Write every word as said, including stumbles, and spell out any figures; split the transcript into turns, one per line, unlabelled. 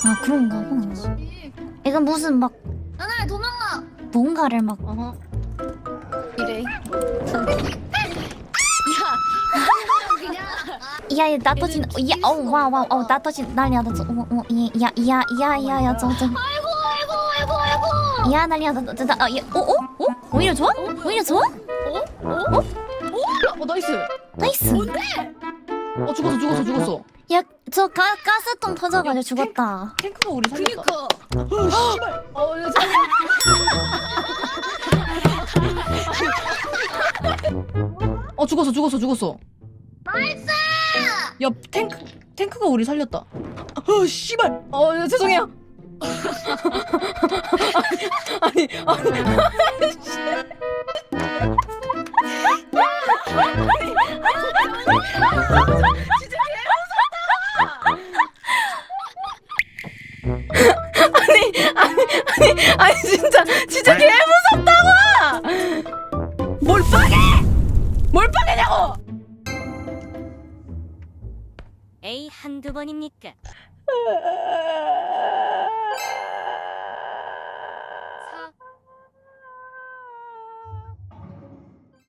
아 그런가 봐. 이건 무슨 막
나나야 도망가.
뭔가를 막
어허. 이래.
야야 나 터진 야 어우 와와 어우 나 터진 난리야 나저어야야야야야 저저
아이고 아이고 아이고 아이고.
야 난리야 나나어어 어? 오히려 좋아? 오히려 좋아?
어? 어? 어? 나이스.
나이스.
어 죽었어 죽었어 죽었어.
야 저 가스통 터져가지고 죽었다.
탱크가 우리 살렸다.
그니까. 어 씨발. 어 야,
어 죽었어 죽었어 죽었어.
나이스.
야 탱크 탱크가 우리 살렸다. 어 씨발. 어 야, 죄송해요. 아니 아니 아니. 아니 아니 아니 아니 진짜 진짜 개 무섭다고. 뭘 빠개? 뭘 빠개냐고?
에이 한두 번입니까?